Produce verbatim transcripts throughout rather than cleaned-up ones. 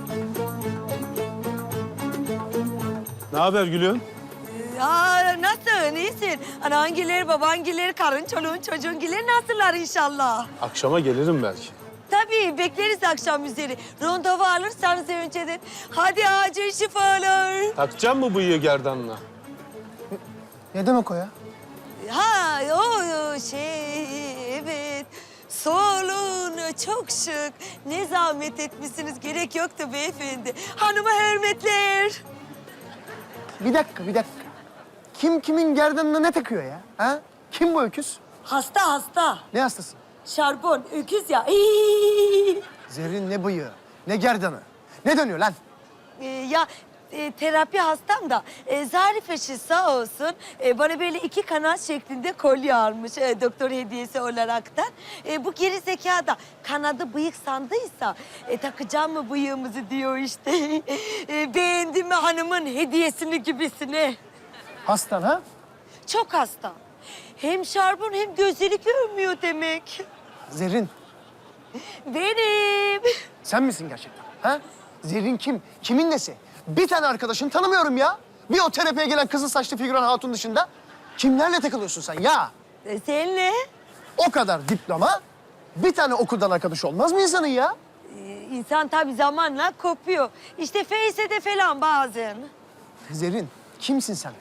Ne haber Gülüm? Aa, nasılsın? İyisin? Anangiler, babangiler, karın, çoluğun, çocuğungiler nasıllar inşallah? Akşama gelirim belki. Tabii bekleriz akşam üzeri. Randevu alırsanız önceden. Hadi acil şifalar. Takacağım mı bıyığı gerdanına? Ne demek o ya? Ha o şey evet. Solun çok şık. Ne zahmet etmişsiniz. Gerek yoktu beyefendi. Hanıma hürmetler. Bir dakika, bir dakika. Kim kimin gerdanına ne takıyor ya? Ha? Kim bu öküz? Hasta hasta. Ne hastası? Şarbon, öküz ya. Zerrin ne bıyığı, ne gerdanı. Ne dönüyor lan? Ee, ya e, terapi hastam da e, Zarif eşi sağ olsun e, bana böyle iki kanat şeklinde kolye almış e, doktor hediyesi olaraktan. E, bu geri zeka da kanadı bıyık sandıysa e, takacağım mı bıyığımızı diyor işte. E, beğendi mi hanımın hediyesini gibisine. Hastan ha? Çok hasta. Hem şarbon hem gözleri görmüyor demek. Zerrin, Benim. sen misin gerçekten? Ha? Zerrin kim? Kimin nesi? Bir tane arkadaşını tanımıyorum ya. Bir o terapiye gelen kızıl saçlı figüran hatun dışında. Kimlerle takılıyorsun sen ya? E, senle. O kadar diploma, bir tane okuldan arkadaş olmaz mı insanın ya? Ee, İnsan tabii zamanla kopuyor. İşte Face'de falan bazen. Zerrin, kimsin sen?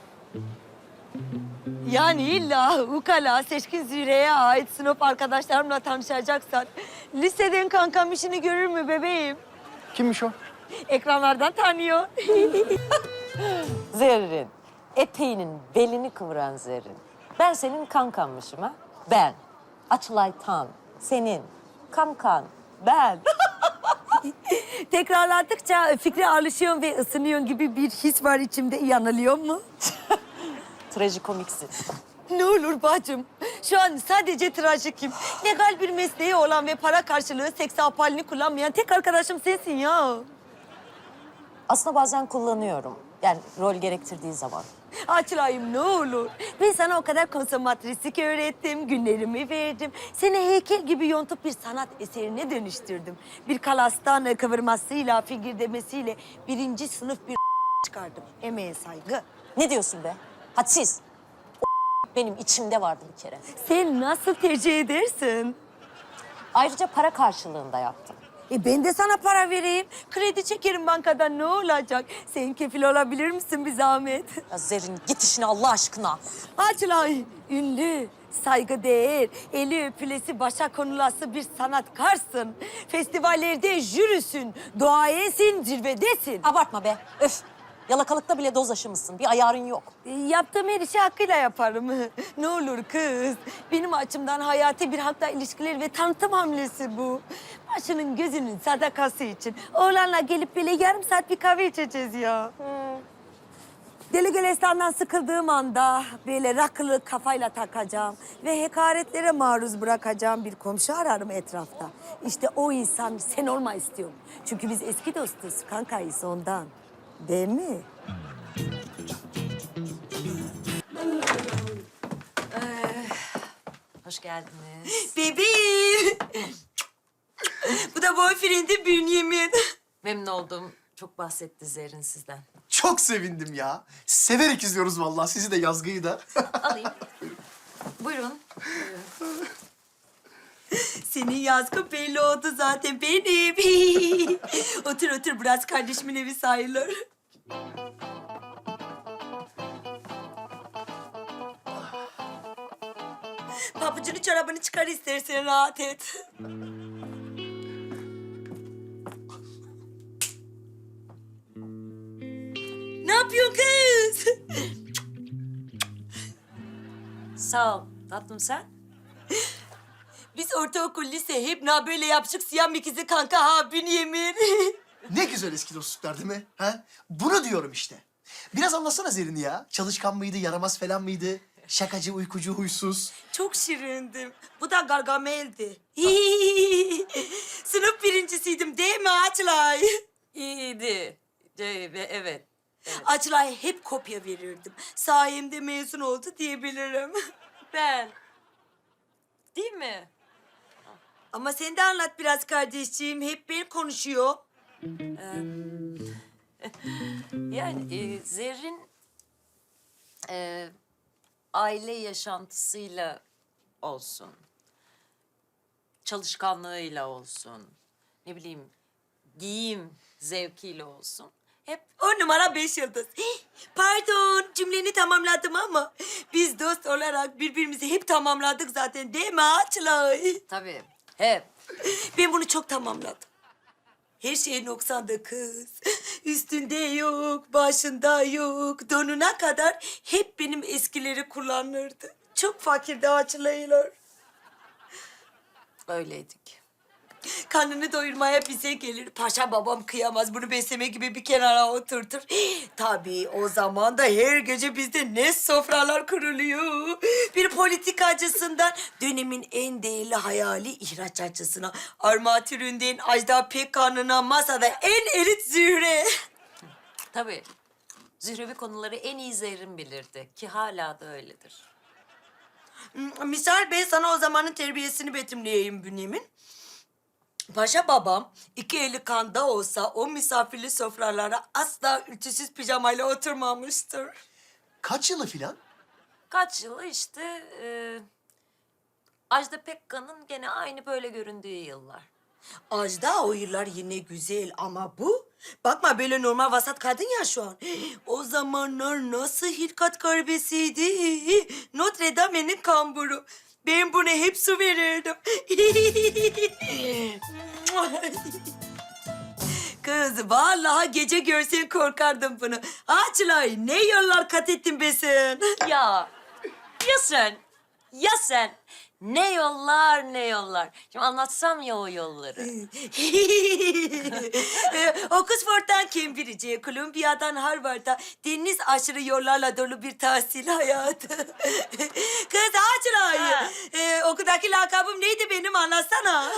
Yani illa ukala Seçkin Zühre'ye ait sınıf arkadaşlarımla tanışacaksan... ...liseden kankam işini görür mü bebeğim? Kimmiş o? Ekranlardan tanıyor. Zerrin, eteğinin belini kıvıran Zerrin. Ben senin kankanmışım ha? Ben. Açılay Tan, senin kankan ben. Tekrarladıkça fikre alışıyorsun ve ısınıyorsun gibi bir his var içimde. Yanılıyor mu? Trajikomiksin. Ne olur bacım. Şu an sadece trajikim. Legal bir mesleği olan ve para karşılığı seks apalini kullanmayan tek arkadaşım sensin ya. Aslında bazen kullanıyorum. Yani rol gerektirdiği zaman. Açılayım ne olur. Ben sana o kadar konsomatristik öğrettim, günlerimi verdim. Seni heykel gibi yontup bir sanat eserine dönüştürdüm. Bir kalastan kıvırmasıyla, figürdemesiyle birinci sınıf bir çıkardım. Emeğe saygı. Ne diyorsun be? Hadsiz. O benim içimde vardı bir kere. Sen nasıl tercih edersin? Ayrıca para karşılığında yaptım. E ben de sana para vereyim. Kredi çekerim bankadan ne olacak? Sen kefil olabilir misin bir zahmet? Ya Zerrin git işine Allah aşkına. Açılay, ünlü, saygıdeğer, eli öpülesi, başa konulası bir sanatkarsın. Festivallerde jürisin, duayesin, zirvedesin. Abartma be. Öf. Yalakalıkta bile doz aşımısın. Bir ayarın yok. E, Yaptığım her işi hakkıyla yaparım. Ne olur kız. Benim açımdan hayati bir hakla ilişkiler ve tanıtım hamlesi bu. Başının gözünün sadakası için. Oğlanla gelip böyle yarım saat bir kahve içeceğiz ya. Deli Gülistan'dan sıkıldığım anda böyle rakılı kafayla takacağım ve hakaretlere maruz bırakacağım bir komşu ararım etrafta. İşte o insan sen olma istiyorum. Çünkü biz eski dostuz, kankayız ondan. Değil mi? Hoş geldiniz. Bebeğim. Bu da boyfriend'im Bünyamin. Memnun oldum. Çok bahsetti Zerrin sizden. Çok sevindim ya. Severek izliyoruz vallahi sizi de yazgıyı da. Alayım. Buyurun. Senin yazgı belli oldu zaten benim. Otur otur, biraz kardeşimin evi sayılır. Pabucunu çorabını çıkar istersen rahat et. Ne yapıyorsun kız? Sağ ol. Tatlım sen? Biz ortaokul, lise hep na böyle yapışık siyah ikizi kanka ha Bünyamin. Ne güzel eski dostluklar değil mi? Ha? Bunu diyorum işte. Biraz anlatsana Zerrin'i ya. Çalışkan mıydı, yaramaz falan mıydı? Şakacı, uykucu, huysuz. Çok şirindim. Bu da Gargamel'di. Sınıf birincisiydim değil mi Açlay? İyiydi. Evet. evet. Açlay hep kopya verirdim. Sayemde mezun oldu diyebilirim. Ben. Değil mi? Ama sen de anlat biraz kardeşciğim. Hep ben konuşuyor. Yani e, Zerrin e, aile yaşantısıyla olsun, çalışkanlığıyla olsun, ne bileyim giyim zevkiyle olsun. Hep On numara beş yıldız. Hih, pardon cümleni tamamladım ama biz dost olarak birbirimizi hep tamamladık zaten değil mi Açlay? tabii hep. Ben bunu çok tamamladım. Her şey noksandı kız. Üstünde yok, başında yok, donuna kadar hep benim eskileri kullanırdı. Çok fakirdi Açlaylar. Öyleydik. Karnını doyurmaya bize gelir. Paşa babam kıyamaz. Bunu besleme gibi bir kenara oturtur. Tabii o zaman da her gece bizde ne sofralar kuruluyor. Bir politikacısından dönemin en değerli hayali ihracatçısına, armatüründen Ajda Pekkan'ına masada en elit Zühre. Tabii. Zührevi konuları en iyi Zerrin bilirdi ki hala da öyledir. Misal ben sana o zamanın terbiyesini betimleyeyim Bünyamin. Paşa babam iki eli kanda olsa o misafirli sofralara asla ütüsüz pijamayla oturmamıştır. Kaç yılı filan? Kaç yılı işte e, Ajda Pekkan'ın gene aynı böyle göründüğü yıllar. Ajda o yıllar yine güzel ama bu... Bakma böyle normal vasat kadın ya şu an. O zamanlar nasıl hilkat garbesiydi. Notre Dame'nin kamburu. Ben buna hep su verirdim. Kız vallahi gece görsen korkardım bunu. Açlay ne yollar kat ettin be sen. Ya, ya sen, ya sen. Ne yollar, ne yollar. Şimdi anlatsam ya o yolları. Oxford'dan Cambridge'e, Columbiya'dan Harvard'a deniz aşırı yollarla dolu bir tahsil hayatı. Kız Açlay, Ha. e, okuldaki lakabım neydi benim anlatsana.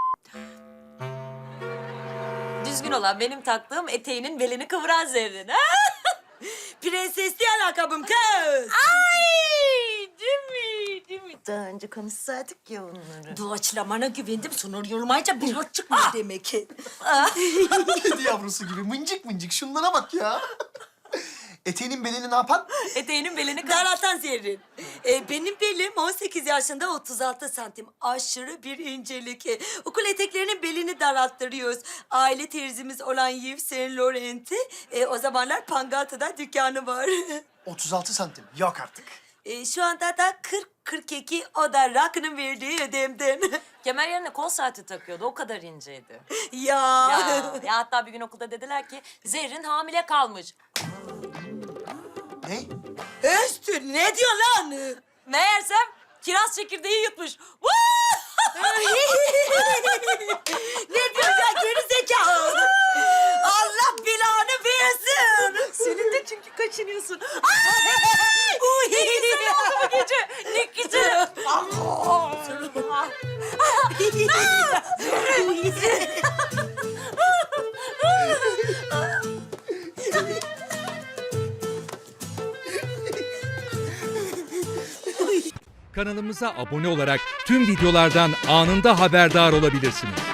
Düzgün olan benim taktığım eteğinin belini kıvıran Zerrin. Ha? Prensesli lakabım kız. Ay, değil mi, değil mi? Daha önce konuşsaydık ya onları. Doğaçlamana güvendim, sonra yorulmayınca bir hat çıkmıyor demek ki. Kedi yavrusu gibi mıncık mıncık şunlara bak ya. Eteğinin belini ne yapan? Eteğinin belini kıvıran. Daraltan Zerrin. Ee, benim belim on sekiz yaşında otuz altı santim. Aşırı bir incelik. Ee, okul eteklerinin belini daralttırıyoruz. Aile terzimiz olan Yves Saint Laurent'i e, o zamanlar Pangaltı'da dükkanı var. otuz altı santim. Yok artık. E, şu anda da kırk kırk iki o da Rakı'nın verdiği ödemden. Kemer yerine kol saati takıyordu. O kadar inceydi. ya. Ya, ya hatta bir gün okulda dediler ki Zerrin hamile kalmış. Ne? Östü ne diyor lan? Meğersem kiraz çekirdeği yutmuş. ne diyor ya geri zekalı? Allah belanı versin. Senin de çünkü kaçınıyorsun. Uy. Bu gece ne güzel. Kanalımıza abone olarak tüm videolardan anında haberdar olabilirsiniz.